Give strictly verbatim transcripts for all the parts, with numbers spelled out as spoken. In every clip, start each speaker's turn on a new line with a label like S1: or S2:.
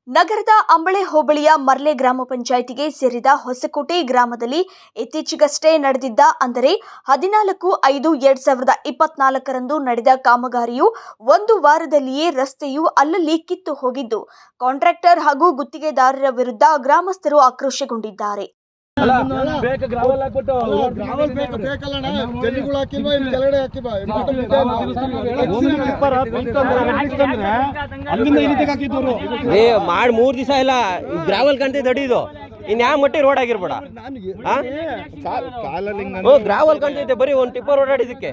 S1: ನಗರದ ಅಂಬಳೆ ಹೋಬಳಿಯ ಮರ್ಲೆ ಗ್ರಾಮ ಪಂಚಾಯಿತಿಗೆ ಸೇರಿದ ಹೊಸಕೋಟೆ ಗ್ರಾಮದಲ್ಲಿ ಇತ್ತೀಚೆಗಷ್ಟೇ ನಡೆದಿದ್ದ ಅಂದರೆ ಹದಿನಾಲ್ಕು ಐದು ಎರಡ್ ಸಾವಿರದ ಇಪ್ಪತ್ನಾಲ್ಕರಂದು ನಡೆದ ಕಾಮಗಾರಿಯು ಒಂದು ವಾರದಲ್ಲಿಯೇ ರಸ್ತೆಯು ಅಲ್ಲಲ್ಲಿ ಕಿತ್ತು ಹೋಗಿದ್ದು ಕಾಂಟ್ರಾಕ್ಟರ್ ಹಾಗೂ ಗುತ್ತಿಗೆದಾರರ ವಿರುದ್ಧ ಗ್ರಾಮಸ್ಥರು ಆಕ್ರೋಶಗೊಂಡಿದ್ದಾರೆ.
S2: ಮಾಡಿ ಮೂರ್ ದಿವಸ ಇಲ್ಲ ಗ್ರಾವಲ್ ಕಂತೆ ದಡಿದು ಇನ್ಯಾ ಮಟ್ಟಿ ರೋಡ್ ಆಗಿರ್ಬೇಡ ಗ್ರಾವಲ್ ಕಂತೈತೆ ಬರೀ ಒಂದ್ ಟಿಪ್ಪರ್ ಓಡಾಡಿದಕ್ಕೆ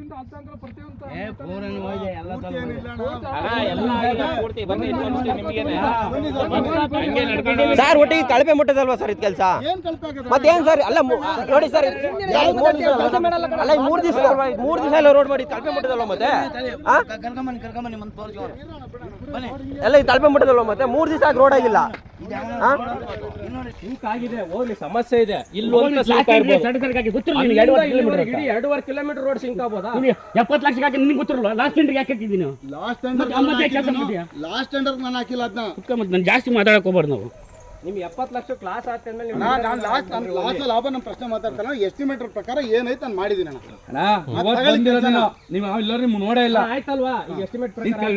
S2: ಸರ್ ಒಟ್ಟಿಗೆ ಕಳಪೆ ಮುಟ್ಟದಲ್ವಾ ಸರ್ ಇದು ಕೆಲಸ ಮತ್ತೇನ್ ಸರ್ ಅಲ್ಲ ನೋಡಿ ಸರ್ ಅಲ್ಲ ಮೂರ್ ದಿವಸ ಮೂರ್ ದಿವಸ ಎಲ್ಲ ರೋಡ್ ಮಾಡಿ ಕಳಪೆ ಮುಟ್ಟದಲ್ವಾ ಮತ್ತೆ ಎಲ್ಲ ಇದು ಕಳಪೆ ಮುಟ್ಟದಲ್ವಾ ಮತ್ತೆ ಮೂರ್ ದಿವಸ ರೋಡ್ ಆಗಿಲ್ಲ
S3: ಆಗಿದೆ ಹೋಗ್ಲಿ ಸಮಸ್ಯೆ ಇದೆ ಇಲ್ಲಿ ಎರಡೂವರೆ ಕಿಲೋಮೀಟರ್ ರೋಡ್ ಸಿಂಕ್ ಆಗ್ಬೋದಾ
S4: ಎಪ್ಪತ್ತು ಲಕ್ಷ ಹಾಕಿ ನಿನ್ಗೆ ಗೊತ್ತಿರಲ್ಲ ಲಾಸ್ಟ್ ಟೆಂಡರ್ ಯಾಕೆ ಹಾಕಿದ್ದೀನಿ
S5: ಲಾಸ್ಟ್ ಟೆಂಡರ್ ಲಾಸ್ಟ್ ಟೆಂಡರ್ ನಾನು ಹಾಕಿಲ್ಲ ಅದನ್ನ
S4: ಮತ್ತೆ ನಾನು ಜಾಸ್ತಿ ಮಾತಾಡಕ್ ಹೋಗ್ಬಾರ್ದು ನಾವು
S3: ನಿಮ್ಗೆ ಎಪ್ಪತ್ತು ಲಕ್ಷ ಕ್ಲಾಸ್ ಆದ್ಮೇಲೆ
S5: ಲಾಸ್ಟ್ ಲಾಭ ನಮ್ಮ ಪ್ರಶ್ನೆ ಮಾತಾಡ್ತಾನೆ ಎಸ್ಟಿಮೇಟರ್ ಪ್ರಕಾರ ಏನೈತೆ ನಾನು ಮಾಡಿದ್ದೀನಿ
S3: ನೀವು ಎಲ್ಲರೂ ನಿಮ್ಗೆ ನೋಡೇ ಇಲ್ಲ ಆಯ್ತಲ್ವಾ ಈಗ ಎಸ್ಟಿಮೇಟ್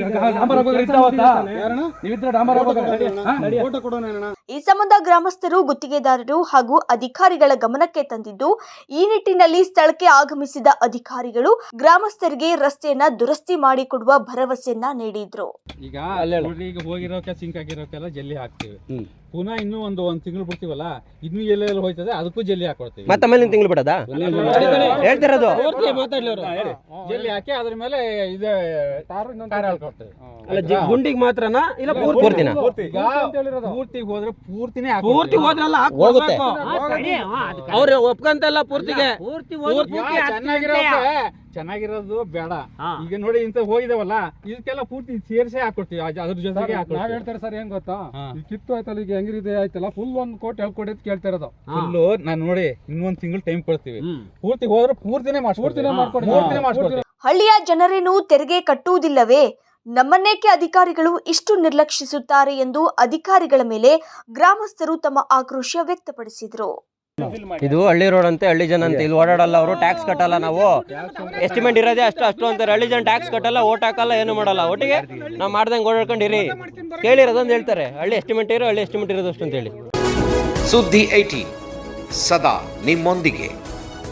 S1: ಈ ಸಂಬಂಧ ಗ್ರಾಮಸ್ಥರು ಗುತ್ತಿಗೆದಾರರು ಹಾಗೂ ಅಧಿಕಾರಿಗಳ ಗಮನಕ್ಕೆ ತಂದಿದ್ದು ಈ ನಿಟ್ಟಿನಲ್ಲಿ ಸ್ಥಳಕ್ಕೆ ಆಗಮಿಸಿದ ಅಧಿಕಾರಿಗಳು ಗ್ರಾಮಸ್ಥರಿಗೆ ರಸ್ತೆಯನ್ನ ದುರಸ್ತಿ ಮಾಡಿಕೊಡುವ ಭರವಸೆಯನ್ನ ನೀಡಿದ್ರು.
S3: ಈಗ ಈಗ ಹೋಗಿರೋಕೆ ಸಿಂಕ್ ಆಗಿರೋಕೆಲ್ಲ ಜಲ್ಲಿ ಹಾಕ್ತಿವಿ, ಪುನಃ ಇನ್ನೂ ಒಂದು ಒಂದ್ ತಿಂಗಳು ಬಿಡ್ತೀವಲ್ಲ ಇನ್ನೂ ಎಲ್ಲೆಲ್ಲ ಹೋಯ್ತದೆ ಅದಕ್ಕೂ ಜಲ್ಲಿ ಹಾಕೊಡ್ತೀವಿ.
S2: ಮತ್ತೆ ಆಮೇಲೆ ತಿಂಗಳು ಬಿಡೋದಾ ಹೇಳ್ತಿರೋದು
S3: ಜಲ್ಲಿ ಹಾಕಿ ಅದ್ರ ಮೇಲೆ ಇದೆ ಟಾರ್ ಹಾಕೊಡ್ತೇವೆ.
S2: ಗುಂಡಿಗೆ ಮಾತ್ರನಾ ಇಲ್ಲ ಪೂರ್ತಿನ
S3: ಪೂರ್ತಿಗೆ ಹೋದ್ರೆ ಪೂರ್ತಿನೇ
S2: ಪೂರ್ತಿ ಹೋದ್ರಲ್ಲ ಹೋಗುತ್ತೆ ಅವ್ರು ಒಪ್ಕಂತಲ್ಲ ಪೂರ್ತಿಗೆ
S3: ಚೆನ್ನಾಗಿರೋಕೆ ಚೆನ್ನಾಗಿರೋದು ಬೇಡ. ಈಗ ನೋಡಿ ಇಂತ ಹೋಗಿದಾವಲ್ಲ ಇದಕ್ಕೆಲ್ಲ ಪೂರ್ತಿ ಸೇರ್ಸೇ ಹಾಕೊಡ್ತೀವಿ ಅದ್ರ ಜೊತೆಗೆ ನಾವ್ ಹೇಳ್ತಾರೆ ಸರ್ ಏನ್ ಗೊತ್ತಾ ಈ ಕಿತ್ತು ಆಯ್ತಲ್ಲ ಈಗ ಹೆಂಗಿರಿದೆ ಆಯ್ತಲ್ಲ ಫುಲ್ ಒಂದ್ ಕೋಟಿ ಎರಡು ಕೋಟಿ ಅಂತ ಕೇಳ್ತಾ ಇರೋದು. ಫುಲ್ಲು ನಾನ್ ನೋಡಿ ಇನ್ನೊಂದ್ ತಿಂಗಳು ಟೈಮ್ ಕೊಡ್ತೀವಿ, ಪೂರ್ತಿ ಹೋದ್ರೆ ಪೂರ್ತಿನೇ ಪೂರ್ತಿನೇ ಮಾಡ್ಕೊಡ್ತೀವಿ.
S1: ಹಳ್ಳಿಯ ಜನರೇನು ತೆರಿಗೆ ಕಟ್ಟುವುದಿಲ್ಲವೇ? ನಮ್ಮನ್ನೇಕೆ ಅಧಿಕಾರಿಗಳು ಇಷ್ಟು ನಿರ್ಲಕ್ಷಿಸುತ್ತಾರೆ ಎಂದು ಅಧಿಕಾರಿಗಳ ಮೇಲೆ ಗ್ರಾಮಸ್ಥರು ತಮ್ಮ ಆಕ್ರೋಶ ವ್ಯಕ್ತಪಡಿಸಿದರು.
S2: ಇದು ಹಳ್ಳಿ ರೋಡ್ ಅಂತೆ, ಹಳ್ಳಿ ಜನ ಅಂತ ಇಲ್ಲಿ ಓಡಾಡಲ್ಲ, ಅವರು ಟ್ಯಾಕ್ಸ್ ಕಟ್ಟಲ್ಲ, ನಾವು ಎಸ್ಟಿಮೇಟ್ ಇರೋದೇ ಅಷ್ಟು ಅಷ್ಟು ಅಂತಾರೆ. ಹಳ್ಳಿ ಜನ ಟ್ಯಾಕ್ಸ್ ಕಟ್ಟಲ್ಲ, ಓಟ್ ಹಾಕಲ್ಲ, ಏನು ಮಾಡಲ್ಲ, ಒಟ್ಟಿಗೆ ನಾವು ಮಾಡ್ದಂಗೆ ಓಡಾಡ್ಕೊಂಡಿರಿ ಕೇಳಿರೋದಂತ ಹೇಳ್ತಾರೆ. ಹಳ್ಳಿ ಎಸ್ಟಿಮೇಟ್ ಇರೋ ಹಳ್ಳಿ ಎಸ್ಟಿಮೇಟ್ ಇರೋದು ಅಷ್ಟು ಅಂತ ಹೇಳಿ.
S6: ಸುದ್ದಿ ಏಟೀನ್ ಸದಾ ನಿಮ್ಮೊಂದಿಗೆ.